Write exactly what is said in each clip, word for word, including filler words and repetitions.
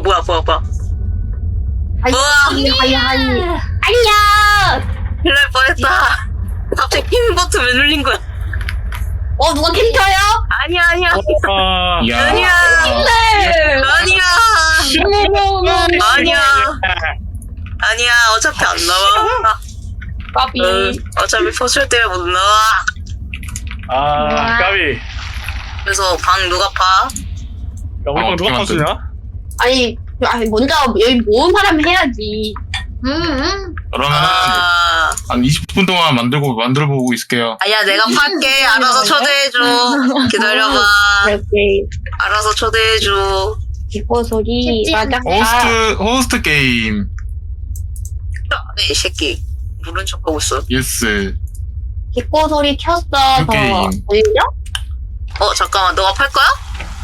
뭐야 뭐야 뭐야. 뭐야? 하이 하이. 안녕. 큰일 날 뻔했다. 갑자기 힘 버튼 왜 눌린 거야? 어 누가 캠터요? 아니야 아니야 아, 야. 아니야 네. 아니야 아니야 아니야 어차피 안 나와. 까비. 응, 어차피 포출 때문에 못 나와. 아, 까비. 그래서 방 누가 파? 야, 우리 어, 방 누가 어떻게 파수냐? 아니 아니 먼저 여기 모은 사람 해야지. 음. 그러면은 아 한 이십 분 동안 만들고 만들어 보고 있을게요. 아니야 내가 팔게. 알아서 초대해줘. 기다려봐. 오케이. 알아서 초대해줘. 기뻐 소리. 맞아. 호스트 호스트 게임. 이 새끼 모른 척하고 있어. 예스. 기뻐 소리 켰어. 더 게임. 들려? 어 잠깐만 너가 팔 거야?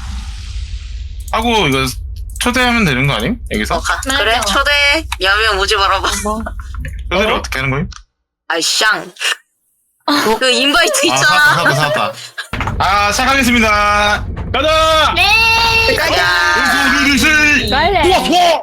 하고 이거 초대하면 되는 거 아님? 여기서? 어 가. 맞아. 그래 초대. 야면 오지 말아봐. 초대를 어? 어떻게 하는 거임? 아이 샹. 그 인바이트 아 있잖아. 사왔다 사왔다 사왔다. 아 시작하겠습니다. 가자! 네. 가자. 리리리. 빨래. 좋아 좋아.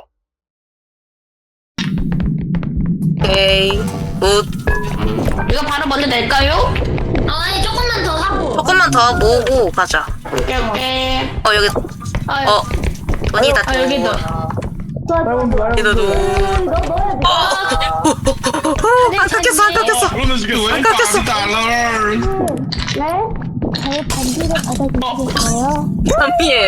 오케이 굿. 이거 바로 먼저 낼까요? 아니 조금만 더 하고. 조금만 더 모으고 가자. 오케이 오케이. 어 여기 아, 어 돈이다 아, 돈. 여기도. 여기다 돈. 안 깎였어 안 깎였어. 그러면 지금 왜 깎였어. 달러? 저의 반지를 받아주시겠어요? 담비에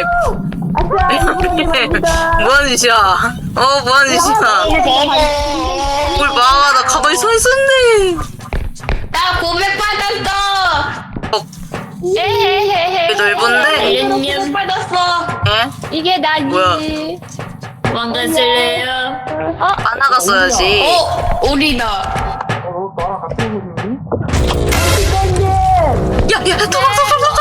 뭐하는 짓이야? 어 뭐하는 짓이야? 뭘 봐? 나 가만히 서 있었네. 나 고백 받았어. 어 에헤헤헤. 이게 넓은데? 고백 받았어. 예? 이게 나지. 뭐야? 망가질래요? 하나가 써야지. 어 우리다. 야야 도망쳐 도망쳐.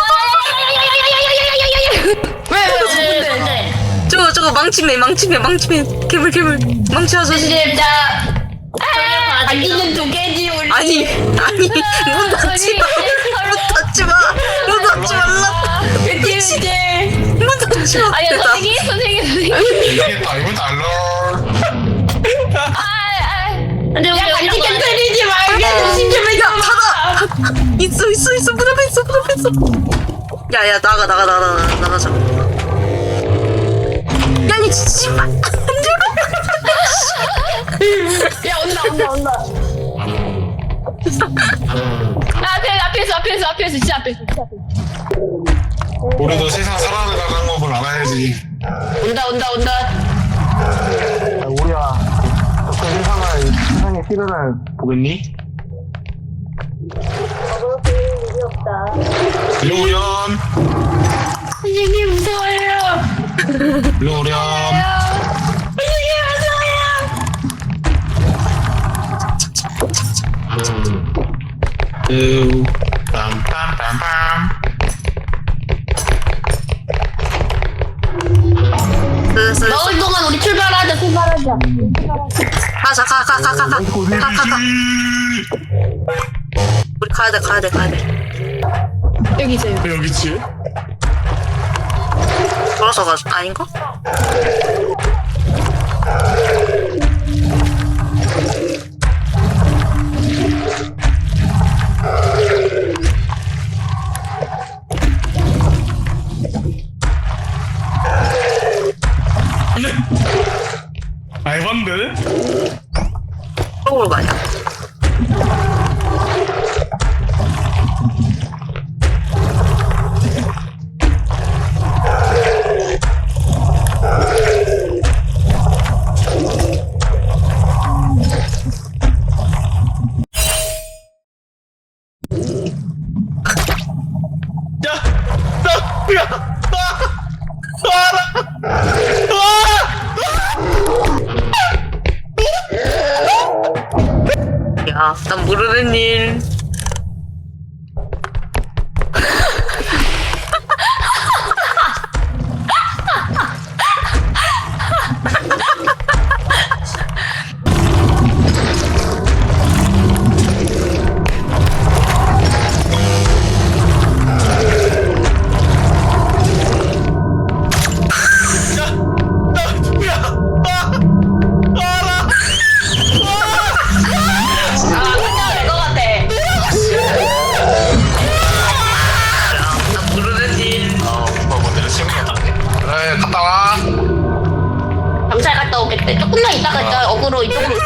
왜왜 뭔데? 저거 저거 망치매 망치매 망치매 괴물 괴물 망치 아저씨. 진짜. 아, 반지는 두 개지 우리. 아니 아니 문 닫지 마. 문 닫지 마. 문 닫지 말라. 그치 그치. 문 닫지 마. 아니 됐다. 선생님 선생님 선생님. 이게 달러 달러. 근데 우리 반지 깨뜨리지 말게. 조심 좀 해줘. 있어 있어 있어 문 앞에 있어 문 앞에 있어. 야야 나가 나가 나가 나가 나가자. 야이 씨발. 야 온다 온다 온다. 아 앞에 앞에서 앞에서 앞에서 진짜 앞에서 진짜 앞에서. 우리도 세상 살아가는 법을 알아야지. 온다 온다 온다. 우리야, 어떤 세상을 세상의 시련을 보겠니? 일로 오렴, 선생님 무서워요. 일로 오렴. 선생님 무서워요. 으, 빰빰빰빰. 슬슬 먹을 동안 우리 출발하자 출발하자. 가자 가 가 가 가 가 가 가가. 우리 가야 돼 가야 돼 가야 돼. 여기 있어요. 여기 있지? 돌아서 가 아닌가? 알반데? 쪽으로 가냐? 야! 나! 야! 야, 난 모르는 일. 야! 나! 누구야? 네, 조금만 있다가 일단 어그로 이쪽으로.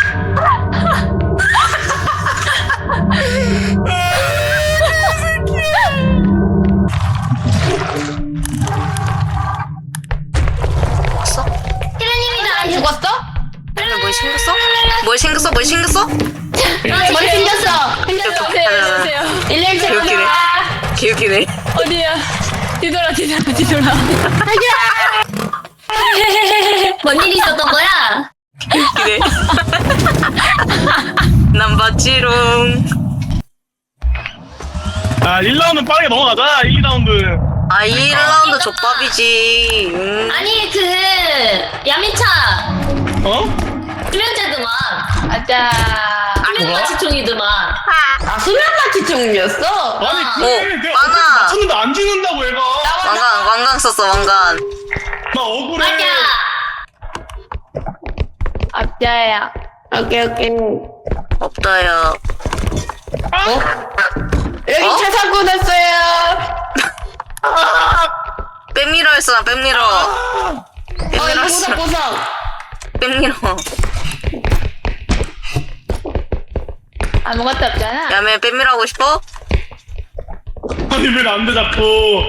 죽었어? 피라님이 나랑 죽었어? 그러면 뭘 생겼어? 뭘 생겼어? 뭘 생겼어? 머리 생겼어. 생겼어. 오세요, 일일칠 개웃기네. 개웃기네. 어디야? 뒤돌아 뒤돌아 뒤돌아. 뭔 일이 있었던 거야? 개웃기네. 난 봤지롱. 아 일 라운드 빠르게 넘어가자. 이 라운드. 아, 일 라운드 족밥이지. 음. 아니 그 야미차 어? 수면제드만 아자. 수면마취총이드만. 아 수면마취 총이었어? 아니 아. 그래 어, 내가 많아. 어떻게 맞췄는데 안 죽는다고 얘가. 왕관, 왕관 썼어, 왕관. 나 억울해. 맞아. 아자야. 오케이 오케이. 없다요. 여기 어? 차 사고 났어요. 백미러 했어, 나 백미러. 어 백미러 이거 했어. 보석보석. 백미러. 아무것도 없잖아. 야, 매 백미러 하고 싶어? 아니 왜 안 돼 자꾸.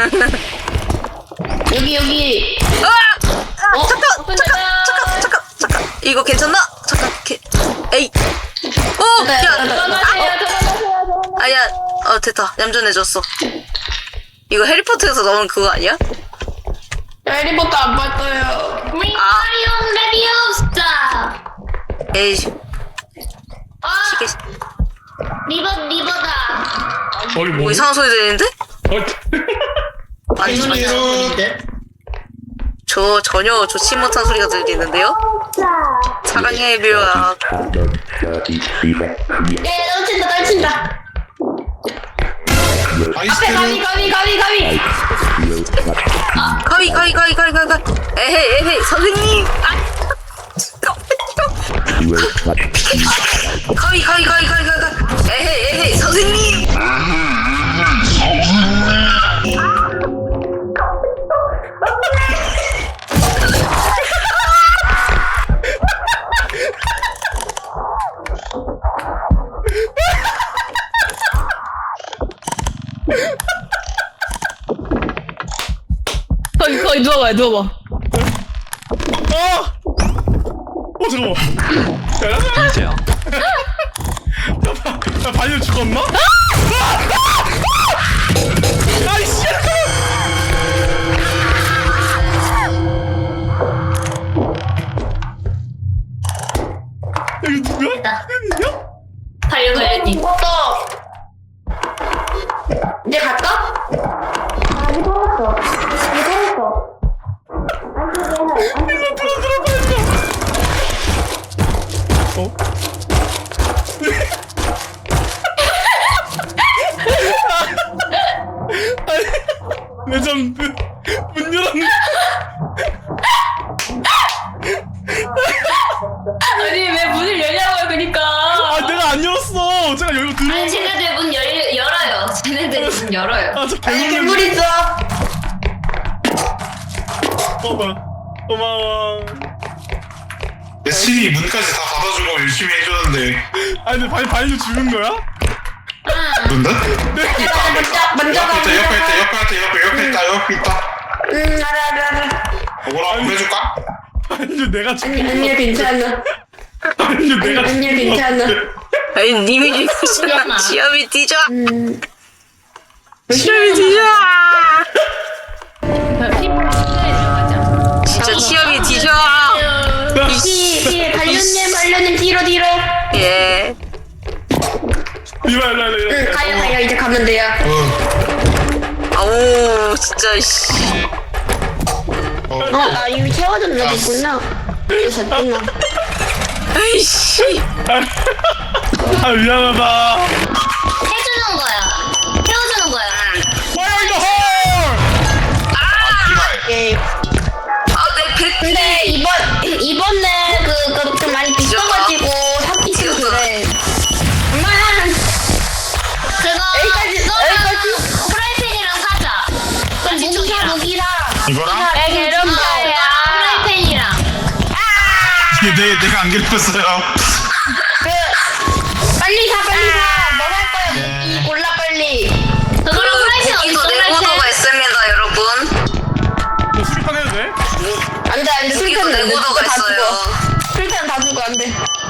여기 여기. 아! 아, 어? 잠깐, 오픈 잠깐, 닫아. 잠깐, 잠깐, 잠깐. 이거 괜찮나? 잠깐, 개, 에이. 오, 네, 야, 들어가세요 들어가세요. 아, 야, 어, 됐다. 얌전해졌어. 이거 해리포터에서 나오는 그거 아니야? 해리포터 안 봤어요. 윙가리움 레비오스타. 에이, 아 시계, 리버 리버다. 거기 뭐 뭐? 이상한 소리 들리는데? 어? 아니, 아니, 저 전혀 좋지 못한 소리가 들리는데요? 사랑해, 묘야. 예 떨친다 떨친다. 앞에 가위 가위 가위 가위. 가위, 가위, 가위, 가위, 가위, 가위. 에헤이, 에헤이, 선생님. 아, 가위, 가위, 가위, 가위, 가위, 가위. 에헤이, 에헤이, 선생님. 거기 거기 누워봐 누워봐. 어! 어 잠깐만. 이제야. 야 반려 죽었나? 아이씨. 여기 누구야? 됐다. 야? 달려가야지. 또. 이제 갈까? 아니 돌았어. 아니 돌았어. 이거 들어 들어가 이거. 어? 아니 레전드 문 열었네. 아니 왜 문을 열냐고요 그니까. 아 내가 안 열었어. 제가 열고 들어온 아니 거. 쟤네들 문 열, 열어요. 쟤네들 문 열어요. 아저 아니 개놀랐네. 괴물 있어. 고마워. 고마워. 신이 문까지 다 닫아주고 열심히 해줬는데 아니 근데 발 발로 죽은 거야? 뭔데? 먼저 먼저 가. 옆에 있다 옆에 있다 옆에 있다 옆에 있다 옆에 있다 응 알아 알아 알아. 뭐라 한번 해줄까? 아니 내가 죽은 아니 거. 아니야 괜찮아. 아니 내가 아니야 죽은 거 괜찮아. 같아. 아니, 님이 죽으시면 시험이 뒤져. 음. 시험이 뒤져. 들어가자. 진짜 시험이 뒤져. 뒤 뒤에 발견님 발견님 뒤로 뒤로. 예. 이봐 일로 일로 일로. 응 가요 가요 이제 가면 돼요. 아우, 진짜, 씨. 어나 이미 채워준 적 있구나. 그래서 됐구나. 아이씨. 아 미안하다. 해주는 거야. 태워주는 거야. 뭐야 이거 헐. 예. 아, 내 배. 근데 이번 이번에 그좀 그, 많이 비싸가지고 사기 싫어 그래. 엄마는 그거 여기까지, 그거랑 프라이팬이랑 사자. 무기야 무기랑. 이거랑? 네, 어, 개름파야. 프라이팬이랑. 내, 내가 안 괴롭혔어요. 그 빨리 사 빨리 사. 뭐 살 거야? 무기 골라 빨리. 저거랑 프라이팬 어디 여기도 있어 내구도가 프라이팬? 있습니다, 여러분. 너 수리판 해도 돼? 안돼 안돼 여기도 술탄 내구도가 다 있어요. 죽어. 술탄 다 죽어 안돼.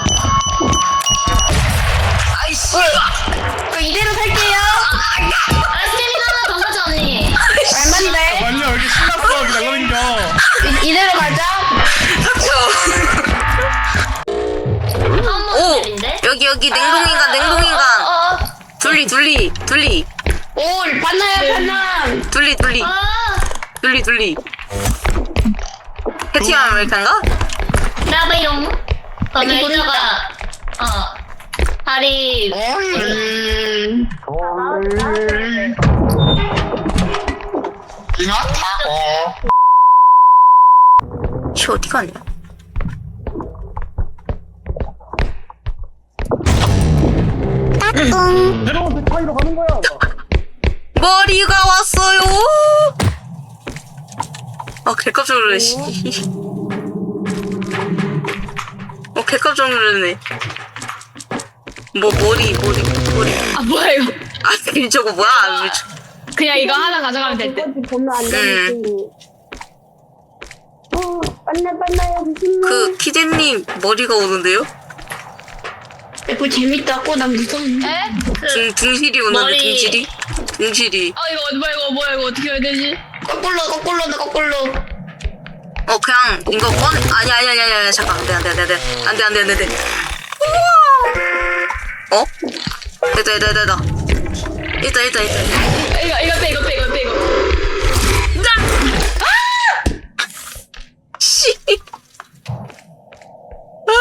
아이씨. 그 이대로 살게요. 아 스테미나 하나 더 사자 언니. 얼만데? 완전 여기 신났어 여기 날라다니까. 이, 이대로 가자. 오! 한번인데 여기, 여기, 냉동인간, 냉동인간. 어. 둘리, 둘리, 둘리. 오 반나야 반나. 둘리, 둘리. 아 둘리, 둘리. 해티 아메리칸가? 나베용. 그 여기 메이저가 어 다리 음. 잉아 타고. 씨, 어디 가냐? 새로운 세파이로 가는 거야. 머리가 왔어요! 아, 개깜짝 놀라네, 씨. 어, 개깜짝 놀라네. 뭐, 머리, 머리, 머리. 아 뭐야 이거? 아, 그 저거 뭐야? 아, 왜 저- 그냥 이거 하나 가져가면 될 듯. 보면 안 되는 음. 친구. 어 반나 반나야 무슨 그, 키제님, 머리가 오는데요? 이거 재밌다고 난 무서운데. 에? 둥, 둥실이 오는데, 머리. 둥실이? 둥실이. 아 이거 뭐야 이거 뭐야 이거 어떻게 해야 되지? 거꾸로 거꾸로 나 거꾸로. 어, 그냥, 이거 꺼내. 아니, 아니, 아니, 아니, 아니, 잠깐. 안 돼, 안 돼, 안 돼, 안 돼. 안 돼, 안 돼, 안 돼, 안 돼. 우와! 어? 됐다, 됐다, 됐다. 있다, 있다, 있다. 이거 이거 빼 이거 빼 이거 빼 이거. 씨. 아.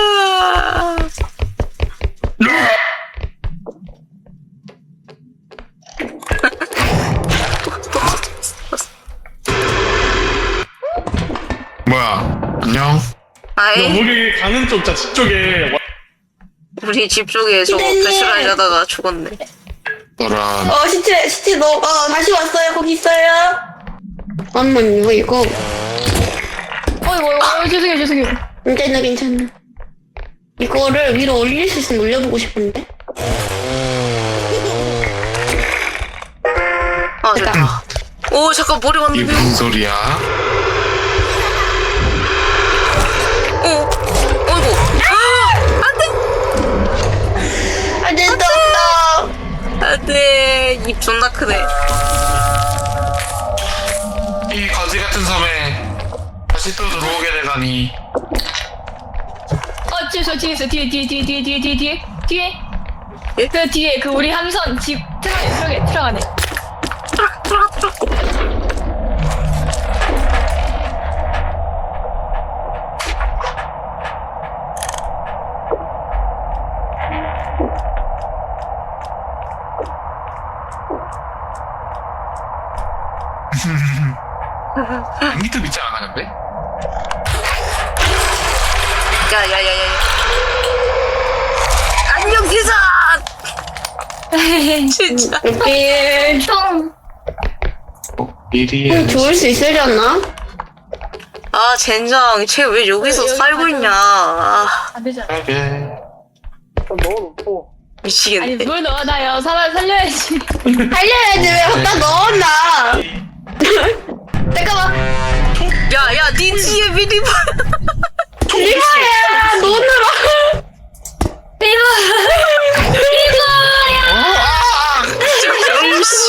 뭐야, 안녕? 아이, 우리 가는 쪽 자식 쪽에 우리 집 쪽에 저거 기대님. 배출하려 하다가 죽었네. 너란. 어 시체 시체 너 어, 다시 왔어요 거기 있어요. 잠깐만요 이거 어 이거 이거 어, 죄송해요 죄송해요. 괜찮아 괜찮아. 이거를 위로 올릴 수 있으면 올려보고 싶은데. 아, 됐다. 오, 잠깐, 머리 이게 왔는데. 무슨 소리야? 어, 어이구. 아, 안 돼! 안 된다. 안 돼. 입 존나 크네. 이 거지 같은 섬에 다시 또 들어오게 되다니. 어 뒤에 저 뒤에 있어 뒤에 뒤에 뒤에 뒤에 뒤에 뒤에 뒤에 뒤에. 예? 그 뒤에 그 우리 함선 집 트럭에 트럭에 트럭 안에. 트락, 트락, 트락. 미트 믿지 않아, 근데? 야, 야, 야, 야, 야. 안녕, 기사! 진짜. 여기 총 어, 미리. 좀 좋을 수 있으려나? 아, 젠장. 쟤 왜 여기서 여기 살고 가자. 있냐. 아, 안 되잖아. 하게. 미치겠네. 아니 뭘 넣어놔요? 사람 살려야지. 살려야지 왜 갖다 넣었나? 잠깐만. 야, 야, 니 뒤에 미리 봐. 리바야 노느라. 음씨.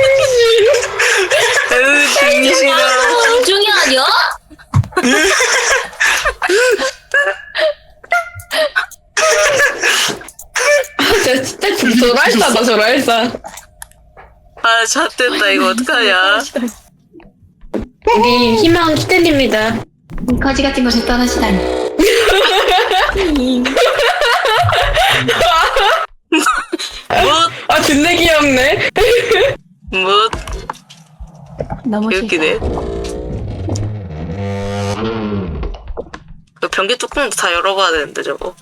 으, 진심이다. 중이 아니야? 저 진짜 저랄싸다 저랄싸. 아, 잣됐다. 이거 어떡하냐. 우리 희망 키텔입니다. 거지 같은 것을 떠나시다니. 뭐? 아 존나 귀엽네. 뭐? 너무 웃기네. 그 변기 뚜껑도 다 열어봐야 되는데, 저거.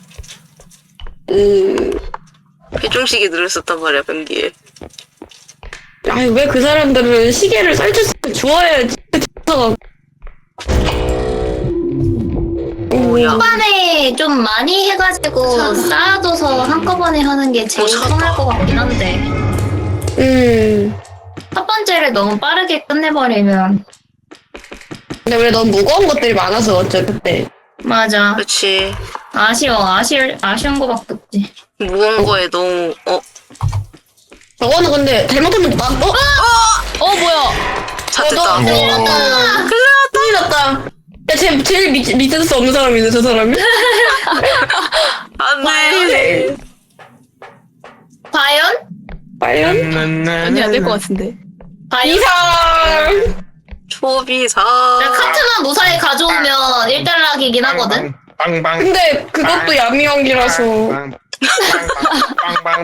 음. 회중식이 들어있었단 말이야, 변기에. 아니 왜 그 사람들은 시계를 설쳤으면 주워야지. 뭐야? 초반에 좀 많이 해가지고 쌓아둬서 한꺼번에 하는 게 제일 어, 찾았다. 편할 것 같긴 한데 음. 첫 번째를 너무 빠르게 끝내버리면 근데 우리 너무 무거운 것들이 많아서 어째 그때. 맞아 그렇지. 아쉬워 아쉬울 아쉬운 거밖에 없지. 무거운 거에 너무 어 저거는 근데 잘못하면 나 어? 어 뭐야? 찾겠다. 어, 큰일 났다. 큰일 났다. 야, 제, 제일 밑, 밑에 수 없는 사람이네, 저 사람이. 안돼. 과연? 과연? 아니 안 될 것 같은데. 과연? 이상! 초비사. 나 카트만 무사히 가져오면 일 달락이긴 하거든. 빵빵. 근데 그것도 야미왕기라서. 빵빵.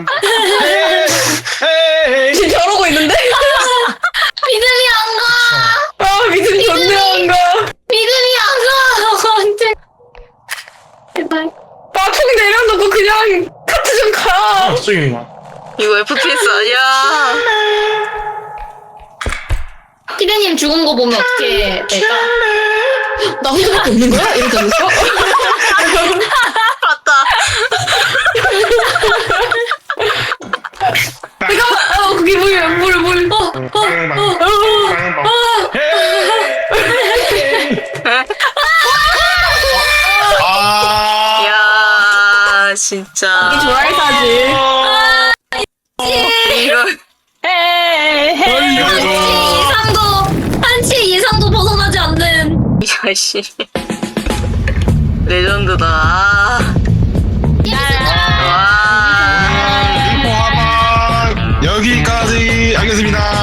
지금 저러고 있는데? 믿음이 안 가! 아, 믿음이 전혀 안 가. 믿음이 안 가! 언제? 제발. 아, 총 내려놓고 그냥 카트 좀 가. 갑자기 막. 이거 에프피에스 아니야. 피디님 죽은 거 보면 어떻게 될까? 나 혼자밖에 없는 거야? 이러지 않았어? 맞다. 내가, 어, 그게 뭐야, 뭘, 뭘. 어, 빵빵. 빵빵. 아. 야 진짜. 좋아할 사지. 이런. 헤헤. 한치 이상도 한치 이상도 벗어나지 않는. 야씨. 레전드다. 아. 와. 여기까지 하겠습니다.